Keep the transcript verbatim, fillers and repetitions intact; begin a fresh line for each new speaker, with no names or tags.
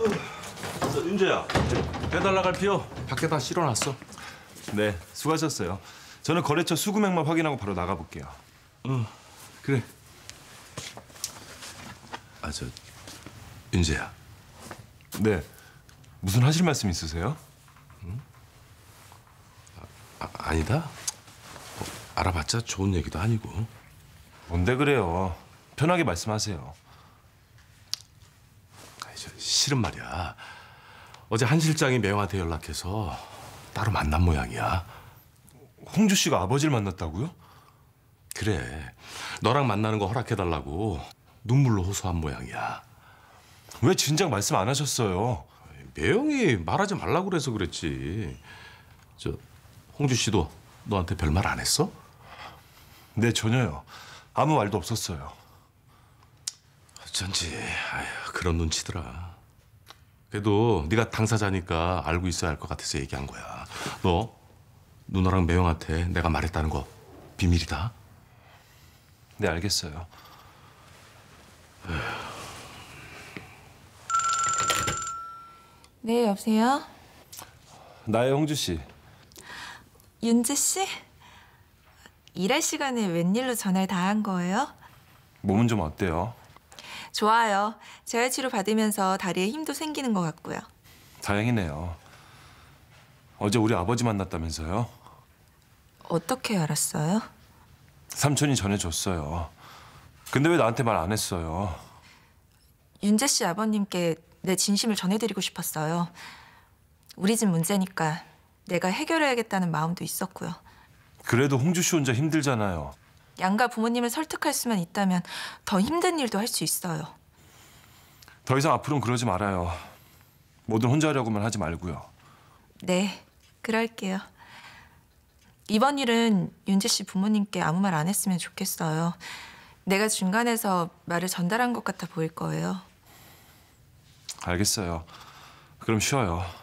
어, 윤재야, 배달 나갈 피요.
밖에다 실어놨어.
네, 수고하셨어요. 저는 거래처 수금액만 확인하고 바로 나가볼게요.
응, 그래. 아, 저 윤재야.
네, 무슨 하실 말씀 있으세요?
응? 아, 아니다. 뭐, 알아봤자 좋은 얘기도 아니고.
뭔데 그래요? 편하게 말씀하세요.
아이, 저 실은 말이야. 어제 한 실장이 매형한테 연락해서 따로 만난 모양이야.
홍주 씨가 아버지를 만났다고요?
그래. 너랑 만나는 거 허락해달라고 눈물로 호소한 모양이야.
왜 진작 말씀 안 하셨어요?
매형이 말하지 말라고 그래서 그랬지. 저 홍주 씨도 너한테 별말 안 했어?
네, 전혀요. 아무 말도 없었어요.
어쩐지 아휴, 그런 눈치더라. 그래도 네가 당사자니까 알고 있어야 할 것 같아서 얘기한 거야. 너 누나랑 매형한테 내가 말했다는 거 비밀이다.
네, 알겠어요.
네, 여보세요?
나의 홍주 씨.
윤재 씨? 일할 시간에 웬일로 전화를 다 한 거예요?
몸은 좀 어때요?
좋아요. 재활치료 받으면서 다리에 힘도 생기는 것 같고요.
다행이네요. 어제 우리 아버지 만났다면서요?
어떻게 알았어요?
삼촌이 전해줬어요. 근데 왜 나한테 말 안 했어요?
윤재 씨 아버님께 내 진심을 전해드리고 싶었어요. 우리 집 문제니까 내가 해결해야겠다는 마음도 있었고요.
그래도 홍주 씨 혼자 힘들잖아요.
양가 부모님을 설득할 수만 있다면 더 힘든 일도 할 수 있어요.
더 이상 앞으로는 그러지 말아요. 뭐든 혼자 하려고만 하지 말고요.
네, 그럴게요. 이번 일은 윤재 씨 부모님께 아무 말 안 했으면 좋겠어요. 내가 중간에서 말을 전달한 것 같아 보일 거예요.
알겠어요. 그럼 쉬어요.